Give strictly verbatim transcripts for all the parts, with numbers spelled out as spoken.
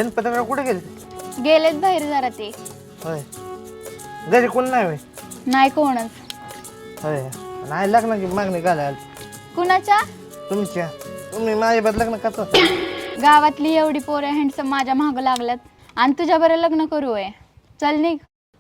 गणपतराव कुठे गेले? गेलेत बाहेर जरा ते. होय. घरी कोण नाही होय? नाही कोणच. होय. नाही लग्नाची मागणी घालायला. कुणाच्या? तुमच्या. तुम्ही माझ्याबद्दल लग्न करता? गावातली एवढी पोरं हँडसम माझ्या माग लागल्यात आणि तुझ्या बरं लग्न करू आहे. चल निघ.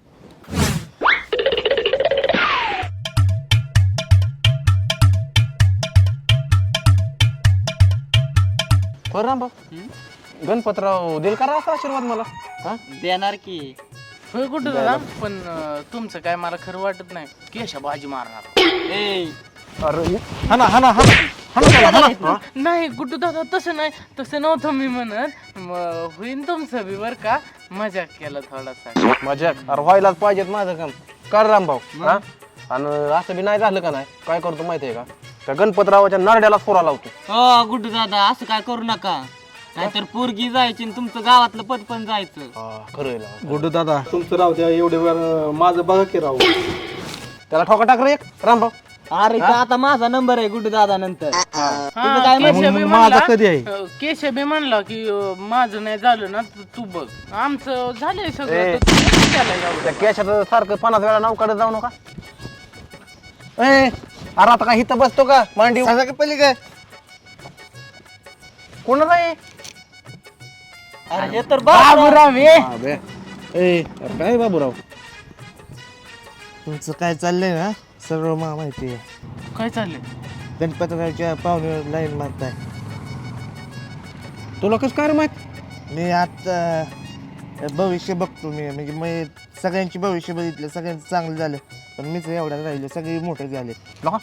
हो राम गणपतराव देईल का असा आशीर्वाद मला? हा देणार की. होय कुठं दादा पण अं, तुमचं काय मला खरं वाटत नाही. केशा बाजी मारणार. ए अरे हाना हाना हाना हाना त्याला, हाना. नाही कुठं दादा तसं नाही, तसं नव्हतं मी म्हणत. म- होईन तुमचं बी बर का. मजाक केला थोडासा. मजाक अरे व्हायलाच पाहिजेत माझं काम. कर रामभाऊ हा आणि असं बी नाही झालं का नाही काय करतो माहितीये का त्या गणपतरावाच्या नारड्यालाच फोरा लावतो. हो गुड्डू दादा असं काय करू नका, नाहीतर पोरगी जायची आणि तुमचं गावातलं पद पण जायचं. हा, खरं आहे लावा. गुड्डू दादा तुमचं राहू द्या एवढे वेळ माझं बघा की राहू. त्याला ठोका टाक रे एक रामभाऊ. अरे का आता माझा नंबर आहे गुड्डू दादा नंतर. हा, काय केशव बी मग म्हणला- माझा कधी आहे? अं, केशव बी म्हणला की अं, माझं नाही झालं ना तू- तू बघ. आमचं झालंय सगळं ए. तर तू नको त्याला एवढं. त्या केशाचं सारखं पन्नास वेळा नाव काढत जाऊ नका. ए अरे आता काय इथं बसतो का मांडी सांगा की पहिले काय? कोणाला आहे? अरे हे तर बाबूराव आहे. हा, बे. ए अरे काय बाबूराव तुमचं काय चाललंय ना सगळं मला माहिती आहे. काय चाललंय? गणपतरावच्या पाहुण्यावर लाईन मारताय. तुला कसं काय रे माहित? मी आता भविष्य बघतो. मी म्हणजे मी सगळ्यांची भविष्य बघितलं, सगळ्यांचं चांगलं झालं, पण मीच एवढ्या राहिलो. सगळे मोठे झाले.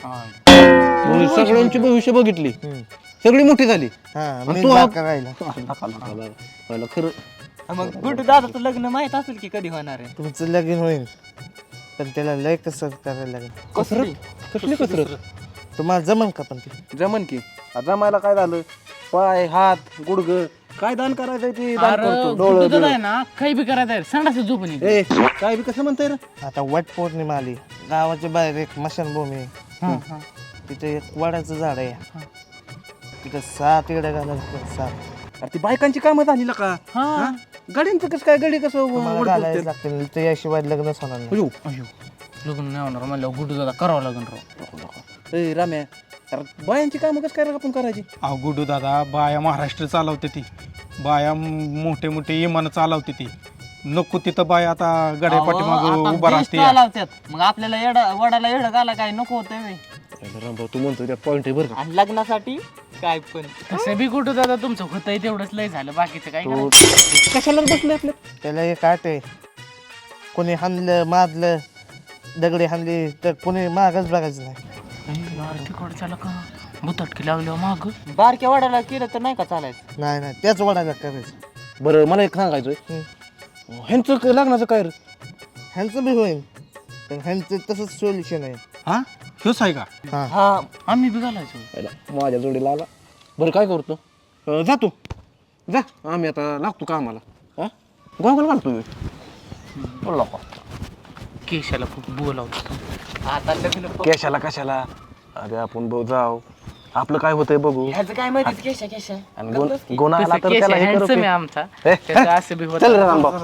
तू सगळ्यांची भविष्य बघितली, हम्म. सगळी मोठी झाली. हा आणि मी तू बाका राहिला. पहिलं खरं मग गुड्डू दादाचं लग्न माहित असेल की कधी होणार आहे. तुमचं लगीन होईल, पण त्याला लय कसरत करायला लागेल. कसरत कसली कसरत तुम्हाला जमन का? पण ते जमन की आता जमायला काय झालं पाय हात गुडग काय दान करायचंय ते दान अरे करतो. कुठं डोळं दादा आहे ना काही बी करायचं आहे. संडास झोपून ये. ए काय बी कसं म्हणताय रे? आता वट पौर्णिमा आली. गावाच्या बाहेर एक स्मशानभूमी आहे. हा, हा. तिथे एक वडाचं झाड आहे. तिथं सात येड्या घालायचं. सात अरे ती बायकांची कामं झाली ना का? हा. गाडींचं कसं काय गाडी कसं तुम्हाला ओढत घालायला होते? लागतील. त्याशिवाय लग्नच होणार नाही. अयो, अयो लग्न नाही होणार म्हणल्यावर गुड्डू दादा करावं लागेल राव. ए राम्या अरे बायांची कामं कसं काय आपण करायची? अहो गुड्डू दादा बाया महाराष्ट्र चालवते ती, बाया मोठे मोठे इमान चालवते ती. नको तिथं बाया आता गड्या पाठीमाग अहो, आता उभा देश राहते. चालवत्यात. मग आपल्याला येडा वडाला येडं घाला काय नको होतंय व्हय. रामभाऊ तू म्हणतो त्या पॉईंट आहे बरं का? आणि लग्नासाठी काय पण. तसं बी गुड्डू दादा तुमचं होतंय तेवढंच लय झालं. बाकीचं काय तो करायचं? कशाला बसले आपल्या? त्याला एक आठ आहे. कोणी हाणलं मारलं दगडी हाणली तर कोणी मागच बघायचं नाही. अरे तिकडं चाला का बुतटकी लागल्यावर माग. बारक्या वडाला केलं तर नाही का चालायचं. नाही नाही त्याच वडाला करायचं. बरं मला एक सांगायचंय ह्यांचं क- लग्नाचं काय रे? ह्यांचं बी होईल, पण ह्यांचं तसंच सोल्युशन आहे. हा हेच आहे का? हा हा आम्ही बी घालायचो. पहिला माझ्या जोडीला आला. बरं काय करतो अं, जातो जा आम्ही आता लागतो का आम्हाला हा गोगल घालतो मी. बोलला का? केशाला खूप बोलावतो. आता लग्न प- कशाला कशाला अरे आपण बघ जाऊ आपलं काय होतंय बघू ह्याचं काय माहिती केशा केशा. आणि गुण गुण आला तर केशा त्याला हे करू handsome की. आहे आमचा. ए, त्याचं असं बी होतं. चल रे रामभाऊ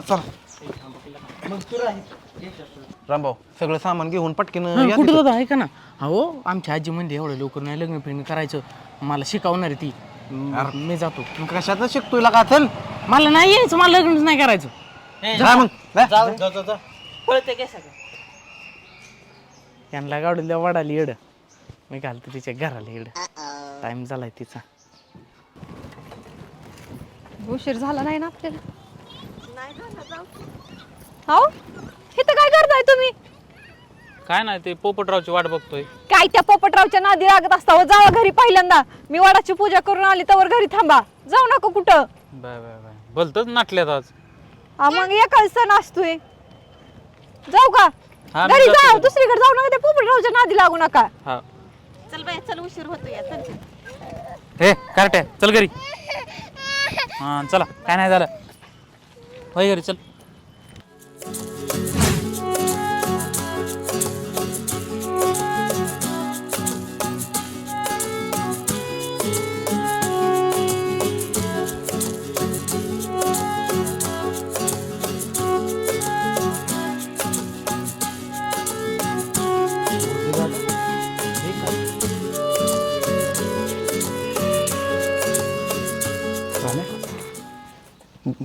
रामभाऊ सगळं सामान घेऊन पटकीन हा, या कुठं तिथं. दादा ऐका ना. हो आमच्या आजी म्हणजे एवढं लवकर नाही लग्न फिरणं करायचं. मला शिकवणार आहे ती. म- मी जातो. कशाचं शिकतोय का चल मला नाही यायचं. मला लग्नच नाही करायचं. जा मग जा. जाऊ पळते केशा का? यांना गाडीला वाढाली येड. मी घालतो तिच्या घराला येड. टाइम झालाय तिचा. उशीर झाला नाही ना आपल्याला. हो इथं काय करताय तुम्ही? काय नाही ते पोपटरावची वाट बघतोय. काय त्या पोपटरावच्या नादी लागत असता. जावा घरी पहिल्यांदा. मी वडाची पूजा करून आली तर घरी थांबा. जाऊ नका कुठं. बाय बाय बाय भलतच नाटल्यात आज. हा, मग एकाच सण असतोय. जाऊ का हा, मी घरी जातो जा. घरी. दुसरीकडे जाऊ नका. त्या पोपटरावच्या नादी लागू नका. हा चल बाय चल उशीर होतोय. हे कार्ट्या चल घरी. हा चला काय नाही झालं. होय घरी चल.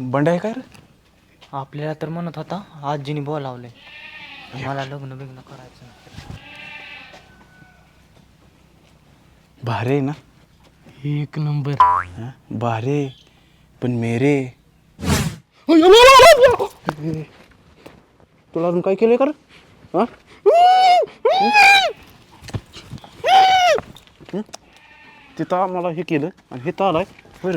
बंड आहे काय रे? आपल्याला तर म्हणत होता आजीने बोलावले मला लग्न बिग्न करायचं. भारे आहे ना? एक नंबर. हा? भारे पण मेरे तुला अजून काय केलंय कर? हा? हं? तिथं मला हे केलं आणि हे तर आलाय होय रे?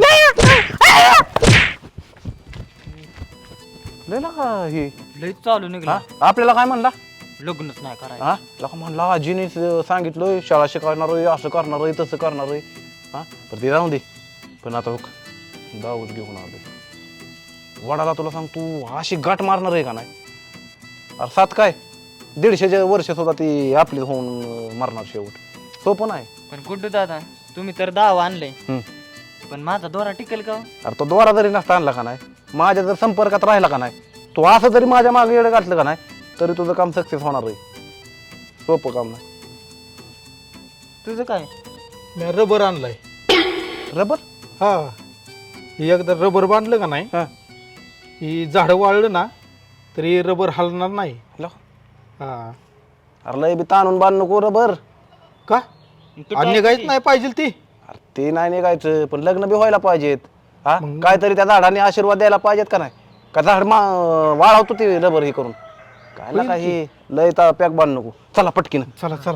लय ना का हे लय चालू निघला. हा? आपल्याला काय म्हणला? लग्नच नाही करायचं. हा लका म्हणला आजीने सांगितलं शाळा शिकवणार आहे, असं करणार आहे, तसं करणार आहे. हा तर ते जाऊ दे. पण आता बघ दाऊद घेऊन आलोय वडाला. तुला सांग तू अशी गाठ मारणार आहे का नाही? अरे सात काय दीडशेच्या वर्ष सुद्धा ती आपली होऊन मरणार शेवट. सोपं नाही. पण गुड्डू दादा तुम्ही तर दाव आणले हम्म. पण माझा दोरा टिकेल का? अरे तो दोरा जरी नसता आणला का नाही, माझ्या जर संपर्कात राहिला का नाही, तो असं जरी माझ्या मागे येडं घातलं का नाही तरी तुझं काम सक्सेस होणार आहे. सोपं काम नाही. तुझं काय? मी रबर आणलाय. रबर? हा हे एकदा रबर बांधलं का नाही, हा ही झाडं वाळलं ना तरी रबर हलणार नाही. लो. हा अरे लय बी ताणून बांध नको रबर. का तू अन्य टाक काहीच की. नाही पाहिजे ती. अरे ते नाही निघायचं पण लग्न बी व्हायला पाहिजेत. हा मग- काहीतरी त्या झाडाने आशीर्वाद द्यायला पाहिजेत का नाही? का झाड मा वाळवतो ते रबर हे करून काय ना काही लय पॅक बांध नको. चला पटकीन. चला चला.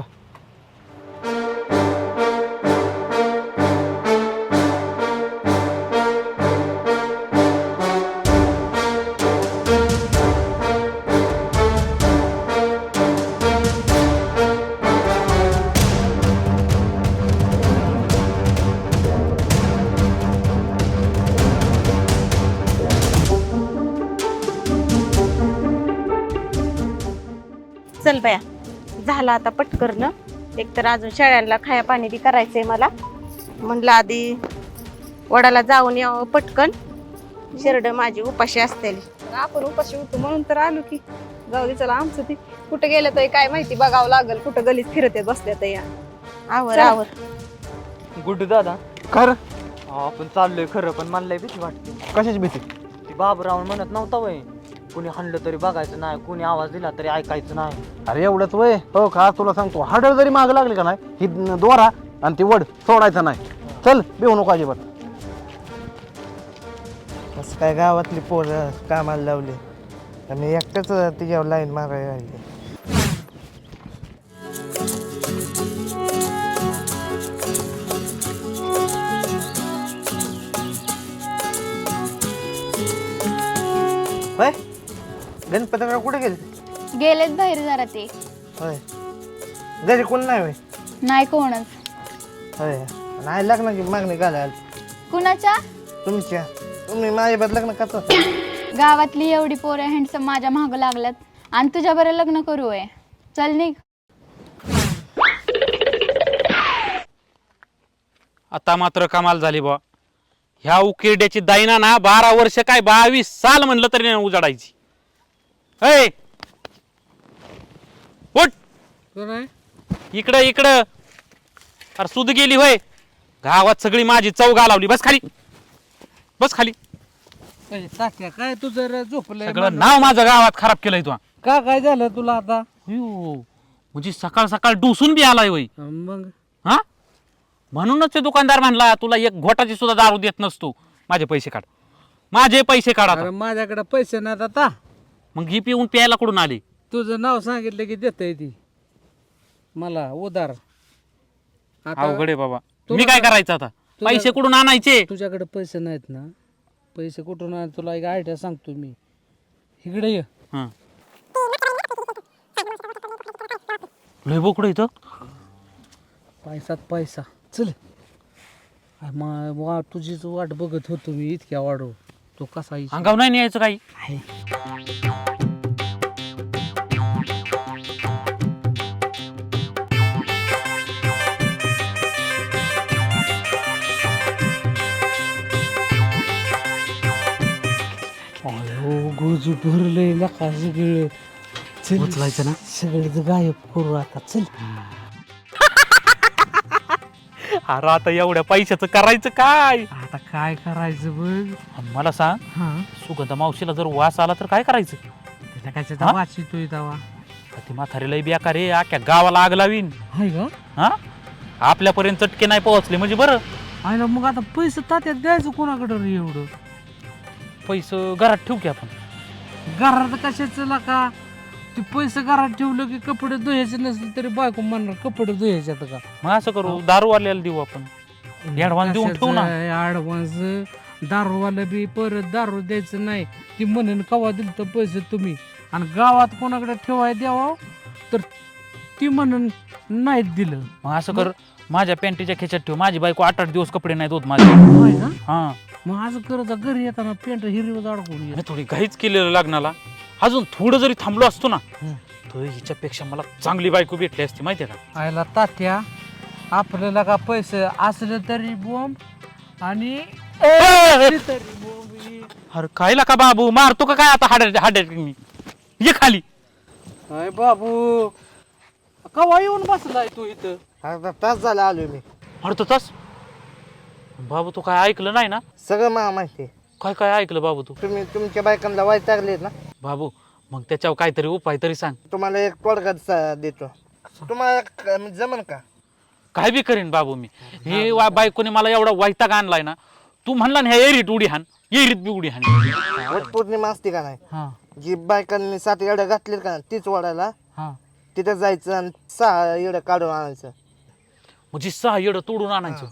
चल बया झालं आता पटकरनं. एकतर अजून शेळ्यांना खाया पाणी बी करायचंय मला. म्हणलं आधी वडाला जाऊन यावं पटकन. शेरड माझी उपाशी असतेली. आपण उपाशी होतो म्हणून तर आलो की. जाऊ दे चला आमचं ती कुठं गेलं तर काय माहिती बघावं लागल. कुठं गलीत फिरत बसल्या तर या. आवर चला. आवर. गुड्डू दादा कर आपण चाललोय खरं पण मला लय भीती वाटते. कशाची भीती? ती बाबूराव म्हणत नव्हता वय कुणी हाणलं तरी बघायचं नाही, कुणी आवाज दिला तरी ऐकायचं नाही. अरे एवढंच वय हो का? तुला सांगतो हाडळ जरी माग लागली का नाही ही दोरा आणि ती वड सोडायचं नाही. चल बेहू नको अजिबात. असं काय गावातली पोरं कामाला लावली आणि एकटंच तिच्यावर लाईन मारायला लागली. होय गणपतराव कुठे गेले? गेलेत बाहेर जरा ते. होय घरी कोण नाही होय? नाही कोणच. होय नाही लग्नाची मागणी घालायला कुणाच्या? तुमच्या. तुम्ही माझ्याबद्दल लग्न करता? गावातली एवढी पोरं हँडसम माझ्या मागं लागल्यात आणि तुझ्या बरं लग्न करू आहे. चल निघ. आता मात्र कमाल झाली बा. ह्या उकिरड्याची दायना ना बारा वर्ष काय बावीस साल म्हणलं तरी नाही उजाडायची. ऐ उठ इकडं इकडं. अरे सुद गेली होय. गावात सगळी माझी चव घालावली. बस खाली बस खाली. काय तू जर झोपलंय सगळं नाव माझं गावात खराब केलंय तू. का काय झालं तुला आता? अयो, म्हणजे सकाळ सकाळ डुसून बी आलाय वय. मग हा म्हणूनच ते दुकानदार म्हणला तुला एक घोटाची सुद्धा दारू देत नसतो. माझे पैसे काढ, माझे पैसे काढा. अरे माझ्याकडे पैसे नाहीत आता. मग ही पिऊन प्यायला कुठून आली? तुझं नाव सांगितलं की देतय ती मला उधार. आता अवघड आहे बाबा. तुला- मी काय करायचं आता? तुला- पैसे कुठून आणायचे? तुझ्याकडे पैसे नाहीत ना? पैसे कुठून आण तुला एक आयडिया सांगतो मी. इकडे ये. हं. लय बोकडं इथं. पैसात पैसा. चल अरे मा- वा तुझीच वाट बघत होतो मी इतक्या वाढव. तो कसा येईल? अंगावर नाही न्यायचं काही. अयो गोजू भरलंय नका सगळं. चल उचलायचं ना? सगळं गायब करू आता. चल अरे आता एवढ्या पैशाचं करायचं काय? आता काय करायचं बघ. आणि मला सांग, हा सुगंधा मावशीला जर वास आला तर काय करायचं? त्याला काय हा? वाचितोय तवा ती म्हातारीला बेकार रे, अख्ख्या गावाला आग लावीन. हाय का? हा आपल्यापर्यंत चटके नाही पोहोचले म्हणजे बरं. आयला मग आता पैसे तात्यात द्यायचं कोणाकडे रे एवढं? पैसे घरात ठेवू की आपण. घरात कशाचं का ते पैसे घरात ठेवलं की कपडे धुयाचे नसले तरी बायको म्हणणार कपडे धुयाचे आता का? मग असं करू, दारूवाल्याला देऊ आपण. ऍडव्हान्स देऊन ठेवू ना. ऍडव्हान्स दारूवाला बी परत दारू द्यायचं नाही. ती म्हणून कवा दिल तर पैसे तुम्ही आणि गावात कोणाकडे ठेवाय द्यावा तर ती म्हणून नाहीत दिलं. मग असं कर, माझ्या पॅन्टीच्या खेच्यात ठेव. माझी बायको आठ आठ दिवस कपडे नाही धुत माझे. होय ना? हा मग असं करत जा, घरी येताना पेंट हिरवं अडकून ये. मी थोडी घाईच केलेलं लग्नाला. अजून थोडं जरी थांबलो असतो ना तर हिच्यापेक्षा मला चांगली बायको भेटली असती, माहितीये का? आयला तात्या आपल्याला का पैसे असले तरी बॉम्ब आणि तरी बॉम्ब. अरे खायला का बाबू, मारतो का काय आता? हाड्या हाड्या मी ये खाली. अय बाबू कवा येऊन बसलाय तू इथं? अर्धा तास झाला आलोय मी. अरे तास बाबू, तू काय ऐकलं नाही ना? सगळं मला माहिती आहे. काय काय ऐकलं बाबू तू? तुम्ही तुमच्या बायकांना वैतागलेत ना, बाबू मग त्याच्यावर काहीतरी उपाय तरी सांग. तुम्हाला एक तोडगा स- देतो. तुम्हाला क- जमन का? काय बी करीन बाबू मी. हे वा- बायकोने मला एवढा वैताग आणलाय ना. तू म्हणला ना ह्या एरीत उडी हाण, एरीत बी उडी हाण. वट पौर्णिमा असते का नाही, हा जी बायकांनी सात येड्या घातलेत का नाही, तीच वाढायला हा तिथं जायचं आणि सहा येडं काढून आणायचं. म्हणजे सहा येडं तोडून आणायचं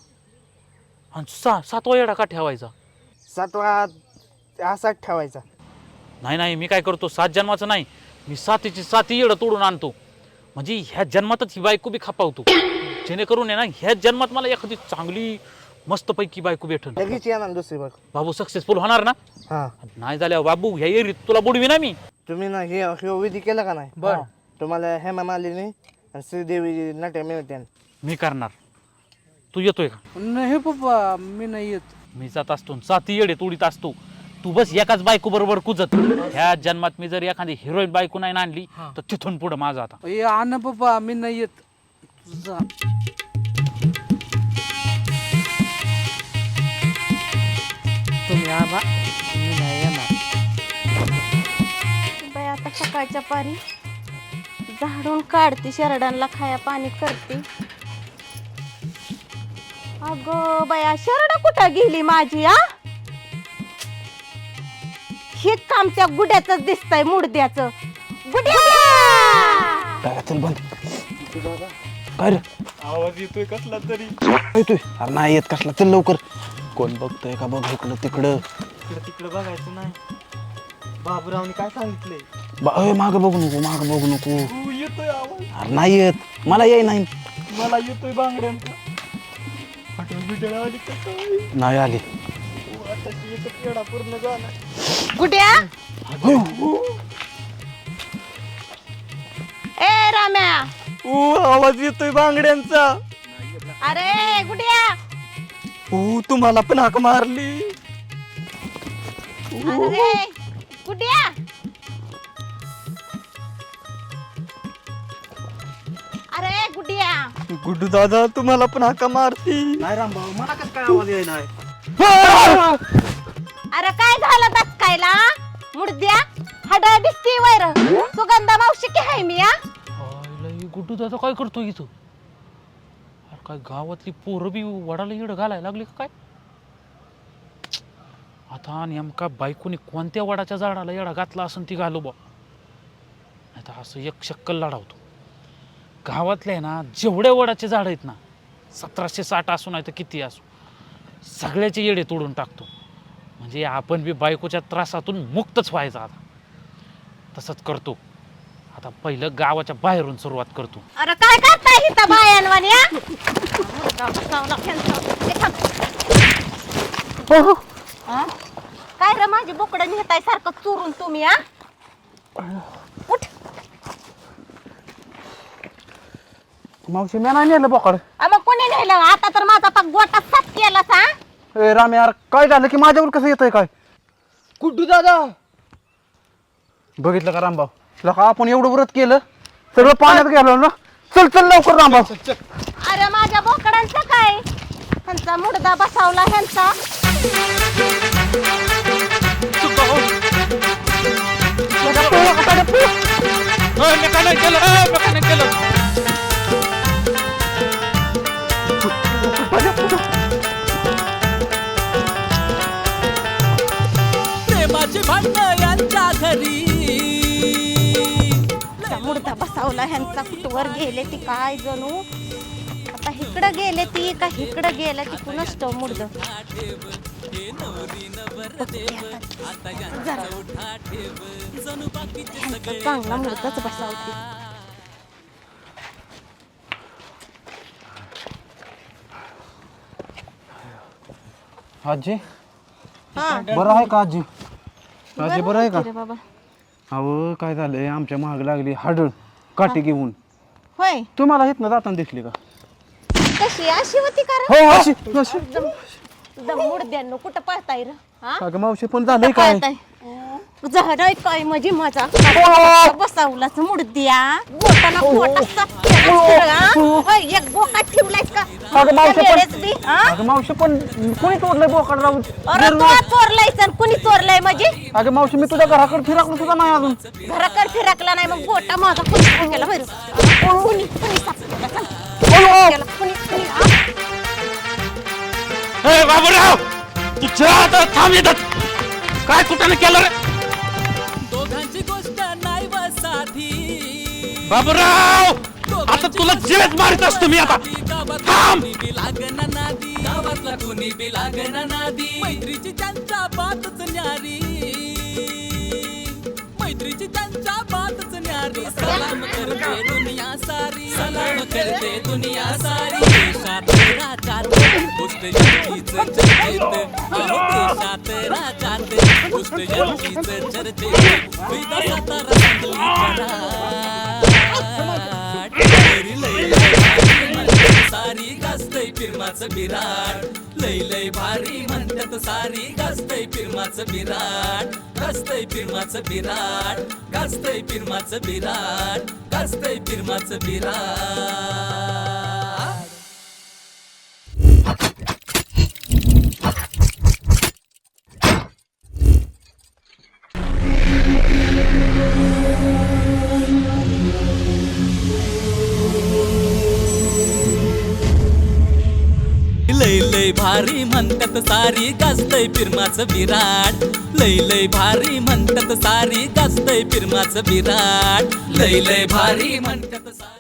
आणि सहा सातवा येडा का ठेवायचा? सातवा असाच ठेवायचा. नाही नाही, मी काय करतो, सात जन्माचं नाही, मी सातीची साती येडं तोडून आणतो. म्हणजे ह्या जन्मातच ही बायको बी खपावतो, जेणेकरून आहे ना ह्या जन्मात मला एखादी चांगली मस्तपैकी बायको भेटन. लगेच येणार दुसरी बायको. बाबू सक्सेसफुल होणार ना? हा नाही झाल्यावर बाबू ह्या एरीत तुला बुडवी ना मी. तुम्ही ना हे हे विधी केला का नाही, बर तुम्हाला हेमा मालिनी आणि श्रीदेवी नट्या मिळते. मी करणार. तू येतोय का? नाही पप्पा मी नाही येत. मी जात असतो, साती येडे तोडीत असतो. तू बस एकाच बायको बरोबर कुजत. ह्या जन्मात मी जर एखादी हिरोईन बायको नाही आणली तर तिथून पुढे माझं आता. ए आण पप्पा मी नाही येत. जा. तुम्ही आला मी नाही येणार. बाई आता सकाळच्या पारी झाडून काढते, शरडांना खाया पाणी करते. अगं बाया शरड कुठं गेली माझी? आ हे काम त्या गुड्याच दिसतंय, मुडद्याचं. गुड्या चल बंद. काय रे? आवाज येतोय कसला तरी. येतोय? अरे नाही येत कसला. चल लवकर. कोण बघतोय का बघ इकडं तिकडं. तिकडे तिकडे बघायचं नाही. बाबूरावने काय सांगितलंय? बा- मागं बघू नको, मागं बघू नको. तू येतोय आवाज, अरे नाही येत, मला येई नाही. मला येतोय बांगड्यांचा. हॉटेल बिटेल आली का काय? नाही आली. आता येतो पेढा पूर्ण झाला. गुड्या ए राम्या, ओ आवाज येतोय बांगड्यांचा. अरे गुड्या, ओ तुम्हाला पण हाक मारली. अरे गुड्या, अरे गुड्या, गुड्डू दादा तुम्हाला पण हाका मारती. नाही रामभाऊ मला कसं काय आवाज येई नाही. अरे काय झालं दचकायला? मुडद्या हडळ दिसती वैर. सुगंधा मावशी की हाय मी? आ गुड्डू दादा काय करतो इथं? अरे काय गावातली पोरं बी वडाला येडं घालायला लागली का काय? आता नेमका बायकोनी कोणत्या वडाच्या झाडाला येडा घातला असं ती घालू बा. आता असं एक शक्कल लढावतो. गावातले ना जेवढे वडाचे झाड आहेत ना, सतराशे साठ असू नाही तर किती असू, सगळ्याचे येडे तोडून टाकतो. म्हणजे आपण बी बायकोच्या त्रासातून मुक्तच व्हायचं. आता तसंच करतो. आता पहिलं गावाच्या बाहेरून सुरुवात करतो. अरे काय करताय इथं बायांवानी? आ काय रे माझी बोकडं नेताय सारखं चोरून तुम्ही? आ उठ. मावशी मी नाही नेलं बोकड. आ, मग कोणी नेलं? आता तर माझा पाक गोटा साफ केला सा. ए राम यार काय झालं की माझ्यावर कसं येतंय काय? गुड्डू दादा बघितलं का रामभाऊ? लका आपण एवढं व्रत केलं, सगळं पाण्यात गेलो ना. चल चल लवकर रामभाऊ. अरे माझ्या बोकडांचं काय? ह्यांचा मुडदा बसावला ह्यांचा प्रेमाची भांडण यांच्या घरी मुडदा बसावला ह्यांचा कुठवर गेले ती काय जणू आता इकडं गेले ती का इकडं गेलं ती कुणाच तो मुडद चांगला मुडदाच बसावती आजी बरं आहे का आजी आजी बरं आहे का रे बाबा अहो काय झालंय आमच्या महाग लागली हाडळ काठी घेऊन होय तुम्हाला इथनं जाताना दिसली का कशी अशी होती कारण हो अशी अशी मुडद्यांनो कुठं पळताय र हा अगं मावशी पण झालंय काय झाडाय काय माझी माझा बसावलाच मुडद्या बोटाला पोट एक बोका ठेवलायस का अगं मावशी वेळेस पण बी, हा? अगं मावशी पण कोणी तोडलंय बोकाड राहून अरे तू चोरलायस आणि कुणी चोरलाय माझी अगं मावशी मी तुझ्या घराकडे फिरकलो सुद्धा नाही अजून घराकडे फिरकला नाही मग बोटा माझा कुणी गेला बरं कुणी कुणी सापडला सांग गेला, कुणी कुणी हा? बाबूराव तुझ्या आता थांब येतात काय कुठं केलं रे दोघांची गोष्ट नाही व साधी बाबूराव आता तुला जेच मारित असतो मी आता थांब लागना नादी गावातला कोणी बी लागना नादी मैत्रीची त्यांच्या बातच न्यारी मैत्रीची त्यांच्या बातच न्यारी सलाम करते दुनिया सारी सलाम करते दुनिया सारी देशात राजात गोष्ट यांचीच चर्चेत अहो देशात राजात गोष्ट यांचीच चर्चेत विदा सातारा सांगली सारी गाजतय फिरमाचं बिराट लय लय भारी म्हणतात सारी गाजतय फिरमाचं बिराट गाजतय फिरमाचं बिराट गाजतय फिरमाचं बिराट गाजतय फिरमाचं बिराट लय लय भारी म्हणतात सारी गाजतय फिरमाचं बिराट लय लय भारी म्हणतात सारी गाजतय फिरमाचं बिराट लय लय भारी म्हणतात सारी